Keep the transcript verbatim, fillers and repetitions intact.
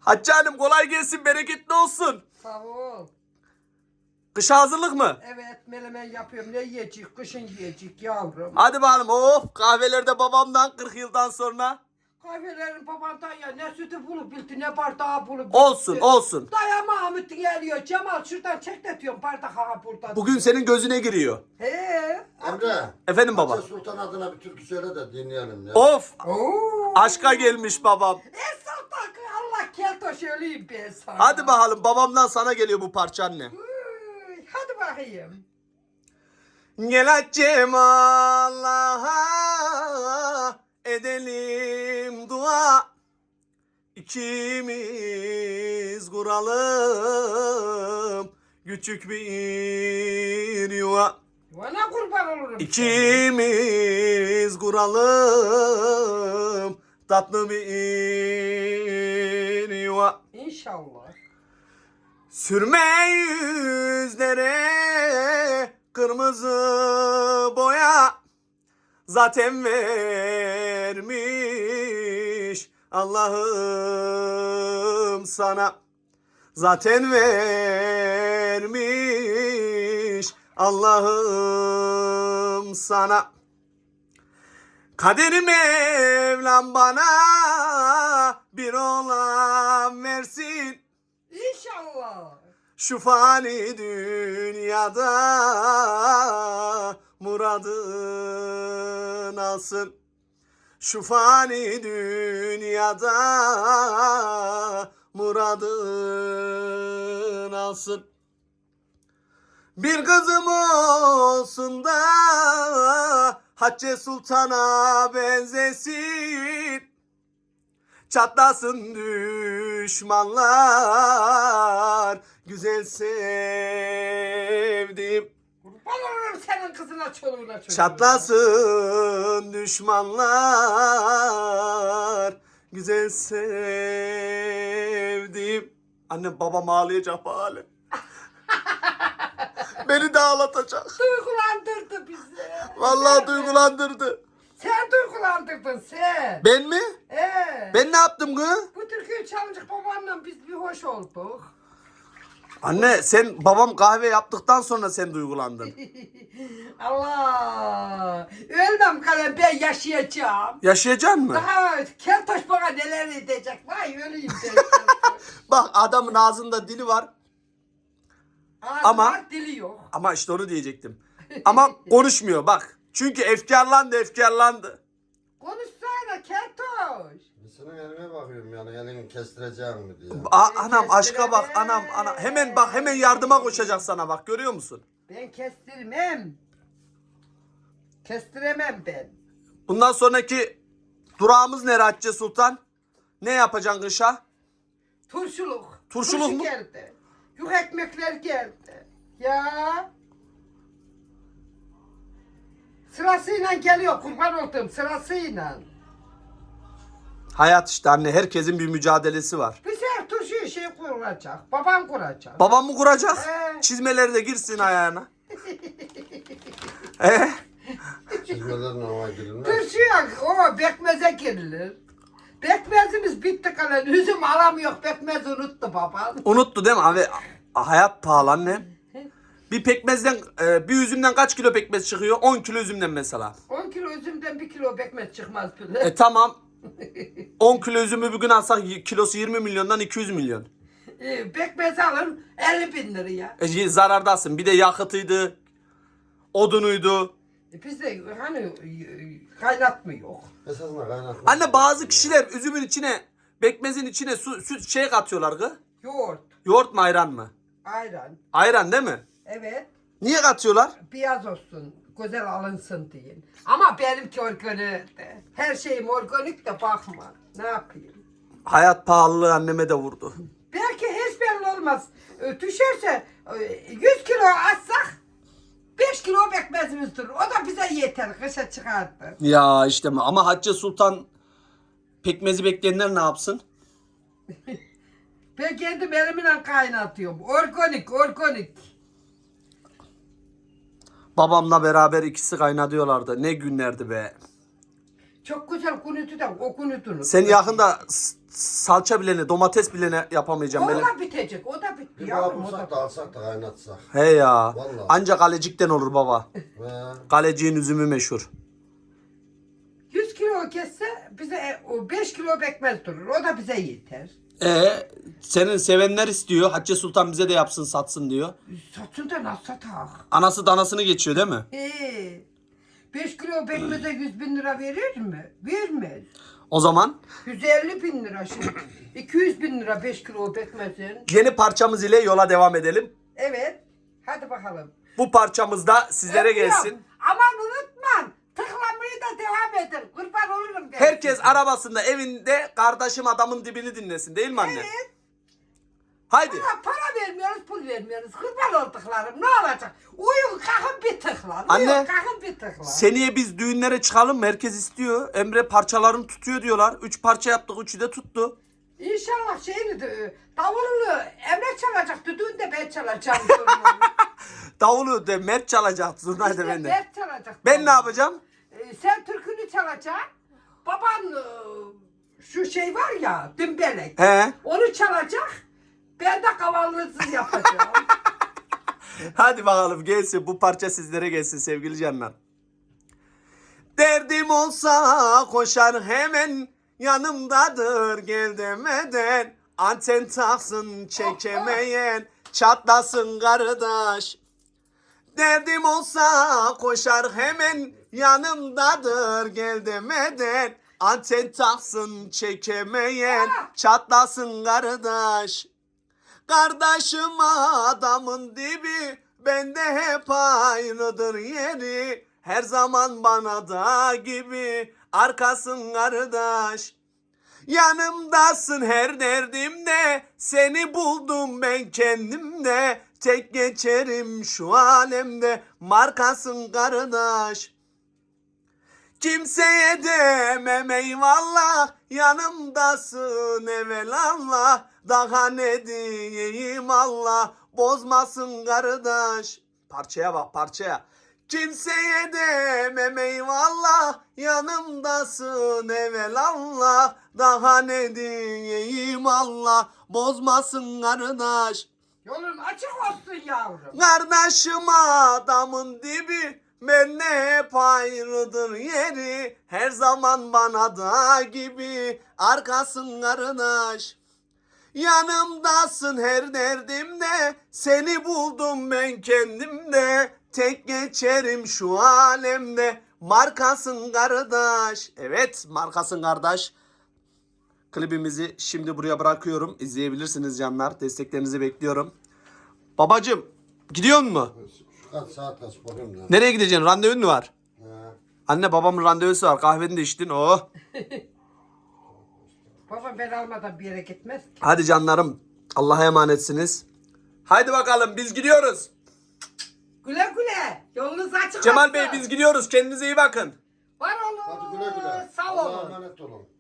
Hatice Hanım kolay gelsin, bereketli olsun. Sağ ol. Kışa hazırlık mı? Evet, menemen yapıyorum. Ne yiyecek? Kışın yiyecek yavrum. Hadi bakalım. Of, kahvelerde babamdan kırk yıldan sonra. Kahvelerin babandan ya ne sütü bulup bildi ne bardağı bulup bildi. Olsun olsun. Dayama Ahmet geliyor. Cemal şuradan çekletiyorum bardak ha burada. Bugün senin gözüne giriyor. He. Emre. Efendim baba. Hatice Sultan adına bir türkü söyle de dinleyelim ya. Of, Oo. aşka gelmiş babam. Esat takı Allah kelto söyleyeyim ben sana. Hadi bakalım, babamdan sana geliyor bu parça anne. Uy, hadi bakayım. Gel Hatice'm Allah'a edelim dua. İkimiz kuralım küçük bir yuva. Bana kurban olurum. İkimiz kuralım tatlı bir yuva. İnşallah. Sürme yüzlere kırmızı boya, zaten vermiş Allah'ım sana. Zaten vermiş Allah'ım sana. Kader Mevlam bana bir oğlan versin. İnşallah. Şu fani dünyada muradın alsın. Şu fani dünyada muradın alsın. Bir kızım olsun da Hatice Sultan'a benzesin. Çatlasın düşmanlar güzel sevdim. Kurban olurum senin kızına çoluğuna çocuğuna. Çatlasın düşmanlar güzel sevdim. Annem babam ağlayacak bu hale. Beni de ağlatacak. Duygulandırdı bizi. Vallahi duygulandırdı. Sen duygulandırdın sen. Ben mi? Ee, Ben ne yaptım kız? Bu türküyü çalınacak babanla biz bir hoş olduk. Anne sen babam kahve yaptıktan sonra sen duygulandın. Allah. Ölmem kalem ben yaşayacağım. Yaşayacaksın mı? Daha keltoş bana neler edecek. Vay öleyim ben. Bak adamın ağzında dili var. Ağzı Ama- var, dili yok. Ama işte onu diyecektim. Ama konuşmuyor bak. Çünkü efkarlandı efkarlandı. Konuşsana keltoş. Senin eline bakıyorum yani elini kestireceğim mi diye. A- Ben anam aşka bak kestiremem. anam ana hemen bak hemen yardıma koşacak sana bak, görüyor musun? Ben kestirmem. Kestiremem ben. Bundan sonraki durağımız ne Hatice Sultan? Ne yapacaksın kışa? Turşuluk. Turşuluk Turşu mu? geldi. Yuh ekmekler geldi. Ya. Sırasıyla geliyor kurban olduğum sırasıyla. Hayat işte anne, herkesin bir mücadelesi var. Bir sefer turşuyu şey kuracak. Babam kuracak. Babam mı kuracak? Ee. Çizmeleri de girsin ayağına. Ee? Çizmelerle hava girilmez. Turşuya o bekmeze girilir. Bekmezimiz bitti kalan. Üzüm alamıyor. Bekmezi unuttu babam. Unuttu değil mi abi? Hayat pahalı anne. Bir pekmezden, e, bir üzümden kaç kilo pekmez çıkıyor? on kilo üzümden mesela. on kilo üzümden bir kilo bekmez çıkmaz bile. E tamam. on kilo üzümü bugün alsak kilosu yirmi milyondan iki yüz milyon. Ee, Bekmezi alın elli bin liraya. E, zarardasın. Bir de yakıtıydı, odunuydu. E, bizde hani e, kaynatmı yok. Esasında kaynatma. Anne bazı kişiler üzümün içine, pekmezin içine su, süt şey katıyorlar kız. Yoğurt, Yoğurt mu ayran mı? ayran. Ayran değil mi? Evet. Niye katıyorlar? Beyaz olsun, güzel alınsın deyin. Ama benimki organik de. Her şeyim organik de bakma. Ne yapayım? Hayat pahalılığı anneme de vurdu. Belki hiç belli olmaz. E, Düşerse e, yüz kilo atsak beş kilo bekmezimiz durur. O da bize yeter. Kışa çıkardı. Ya işte ama Hatice Sultan pekmezi bekleyenler ne yapsın? Ben kendim elimle kaynatıyorum. Organik, organik. Babamla beraber ikisi kaynatıyorlardı. Ne günlerdi be. Çok güzel kunutu da o kunutunu. Sen yakında s- salça bilene, domates bilene yapamayacağım. O Böyle. da bitecek. O da bitti Bir yavrum. O bulsak da. da alsak da kaynatsak. He ya. Vallahi. Ancak kalecikten olur baba. He. Kaleciğin üzümü meşhur. yüz kilo kesse bize e, o beş kilo pekmez durur. O da bize yeter. E senin sevenler istiyor. Hatice Sultan bize de yapsın satsın diyor. Satın da nasıl satak? Anası danasını geçiyor değil mi? He. beş kilo pekmeze yüz bin lira verir mi? Vermez. O zaman yüz elli bin lira şimdi. iki yüz bin lira beş kilo pekmezin. yeni parçamız ile yola devam edelim. Evet. Hadi bakalım. Bu parçamız da sizlere Öpüyorum. gelsin. Aman unutma. Tıklamayı da devam edin. Kurban olurum. ben Herkes size. arabasında, evinde kardeşim adamın dibini dinlesin değil mi anne? Evet. Haydi. Para, para vermiyoruz, pul vermiyoruz. Kurban olduklarım. Ne olacak? Uyun kalkın bir tıkla. Anne, Uyun kalkın bir tıkla. Seneye biz düğünlere çıkalım mı? Herkes istiyor. Emre parçalarını tutuyor diyorlar. Üç parça yaptık. Üçü de tuttu. İnşallah şeyini de davulunu Emre çalacak. Düdüğünü de ben çalacağım. Davulu de Mert çalacak. Zurnayı da İşte ben de. Mert çalacak. Ben ne yapacağım? Ee, sen türkünü çalacaksın. Baban e, şu şey var ya dümbelek. He. Onu çalacak. Ben de kavallısız yapacağım. Hadi bakalım gelsin. Bu parça sizlere gelsin sevgili canlar. Derdim olsa koşar hemen yanımdadır gel demeden. Anten taksın çekemeyen çatlasın kardeş. Derdim olsa koşar hemen yanımdadır gel demeden. Anten taksın çekemeyen çatlasın kardeş. Kardeşim adamın dibi bende hep aynıdır yeri. Her zaman bana da gibi arkasın kardeş. Yanımdasın her derdimde, seni buldum ben kendimde. Tek geçerim şu alemde, markasın kardeş. Kimseye demem eyvallah, yanımdasın evelallah. Daha ne diyeyim Allah, bozmasın kardeş. Parçaya bak parçaya. Kimseye demem eyvallah, yanımdasın evelallah. Daha ne diyeyim Allah, bozmasın kardeş. Yolun açık olsun yavrum. Kardeşim adamın dibi, benle hep ayrıdır yeri. Her zaman bana da gibi arkasın kardeş. Yanımdasın her derdimde, seni buldum ben kendimde. Tek geçerim şu alemde, markasın kardeş. Evet, markasın kardeş. Klibimizi şimdi buraya bırakıyorum. İzleyebilirsiniz canlar. Desteklerinizi bekliyorum. Babacım, gidiyor mu? Şu kaç saat kaç bakayım da. Nereye gideceksin? Randevun mu var? He. Anne babamın randevusu var. Kahveni de içtin. Oh. Baba ben almadan bir yere gitmez ki. Hadi canlarım. Allah'a emanetsiniz. Haydi bakalım biz gidiyoruz. Güle güle. Yolunuz açık Cemal olsun. Bey biz gidiyoruz. Kendinize iyi bakın. Var olun. Hadi güle güle. Sağ Allah'a olun. emanet olun.